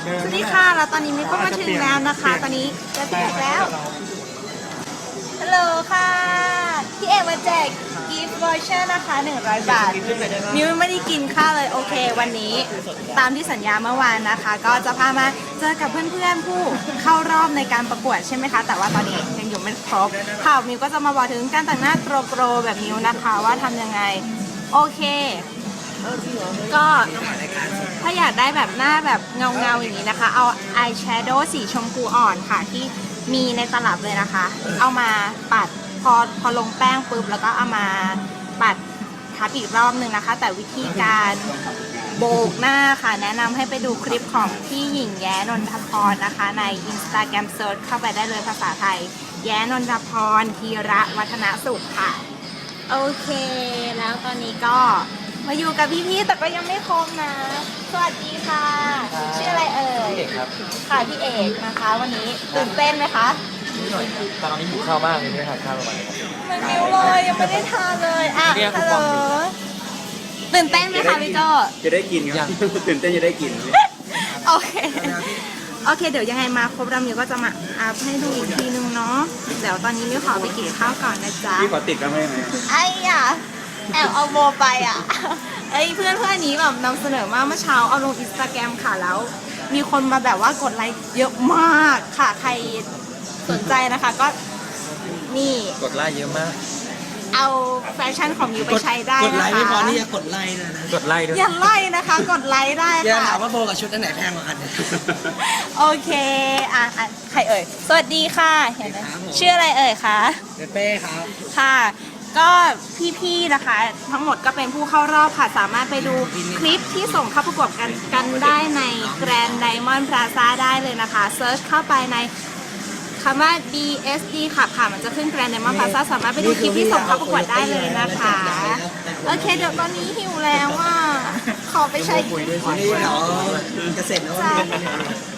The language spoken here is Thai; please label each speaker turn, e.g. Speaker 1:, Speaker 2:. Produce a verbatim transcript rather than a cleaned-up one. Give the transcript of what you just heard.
Speaker 1: สวัสดีค่ะแล้วตอนนี้มิวก็มาถึงแล้วนะคะ ตอนนี้จะพี่เอกแล้วฮัลโหลค่ะพี่เอกมาแจกกิฟต์วอเชอร์นะคะหนึ่งร้อยบาทมิวไม่ได้กินข้าวเลยโอเควันนี้ตามที่สัญญาเมื่อวานนะคะ ก็จะพามาเจอกับเพื่อนๆผู้เข้ารอบในการประกวดใช่ไหมคะแต่ว่าตอนนี้ยังอยู่ไม่ครบค่ะมิวก็จะมาบอกถึงการแต่งหน้าโกรๆแบบมิวนะคะว่าทำยังไงโอเคก็ถ้าอยากได้แบบหน้าแบบเงาเงาอย่างนี้นะคะเอาอายแชโดว์สีชมพูอ่อนค่ะที่มีในตลับเลยนะคะเอามาปัดพอพอลงแป้งปุ๊บแล้วก็เอามาปัดทับอีกรอบหนึ่งนะคะแต่วิธีการโบกหน้าค่ะแนะนำให้ไปดูคลิปของพี่หญิงแย้นนทพรนะคะใน Instagram Search เข้าไปได้เลยภาษาไทยแย้นนทพรธีระวัฒนสุขค่ะโอเคแล้วตอนนี้ก็มาอยู่กับพี่ๆแต่ก็ยังไม่ครบนะ สวัสดีค่ะ ชื่ออะไรเอ่ยพี่เอกครับค่ะพี่เอกนะคะ วันนี้ตื่นเต้นไหมคะ
Speaker 2: นิดหน่อยตอนนี้หิวข้าวมากเลยไม่ได้ทานข้าวประมาณนี้ครับ
Speaker 1: ไม่มิวเลยยังไม่ได้ทานเลยอ่ะฮัลโหลตื่นเต้นไหมคะพี่โจ
Speaker 3: จะได้กินครับตื่นเต้นจะได้กิน
Speaker 1: โอเคโอเคเดี๋ยวยังไงมาครบแล้วมิวก็จะมาอัพให้ดูอีกทีนึงเนาะเดี๋ยวตอนนี้มิวขอไปกินข้าวก่อนนะจ๊ะ
Speaker 3: พี่ขอติดกันไหมไหม
Speaker 1: ไอ้อะแอบเอาโบไปอ่ะไอ้เพื่อนเพื่อนนี้แบบนำเสนอมาเมื่อเช้าเอาลงอินสตาแกรมค่ะแล้วมีคนมาแบบว่ากดไลค์เยอะมากค่ะใครสนใจนะคะก็นี่
Speaker 2: กดไลค์เยอะมาก
Speaker 1: เอาแฟชั่นของยูไปใช้ได้นะคะกดไลค์
Speaker 4: ไม่พอนี่จะกดไลค์นะ
Speaker 2: กดไลค์ด้วย
Speaker 1: อย่าไล่นะคะกดไลค์ได้ค่ะ
Speaker 4: อย่าถามว่าโบกับชุดอันไหนแพงกว่ากัน
Speaker 1: โอเคอ่ะอ่ะใครเอ่ยสวัสดีค่ะเห็นไหมชื่ออะไรเอ่ยคะ
Speaker 4: เป้ครับ
Speaker 1: ค่ะก็พี่ๆนะคะทั้งหมดก็เป็นผู้เข้ารอบค่ะสามารถไปดูคลิปที่ส่งเข้าประกวดกันกันได้ใน Grand Diamond Plaza ได้เลยนะคะเซิร์ชเข้าไปในคำว่า ดี เอส ดี ค่ะค่ะมันจะขึ้น Grand Diamond Plaza สามารถไปดูคลิปที่ส่งเข้าประกวดได้เลยนะคะโอเคเดี๋ยวตอนนี้หิวแล้วอ่ะขอไปใช้
Speaker 4: นี่เดี๋ยวจะเสร็จแล้ว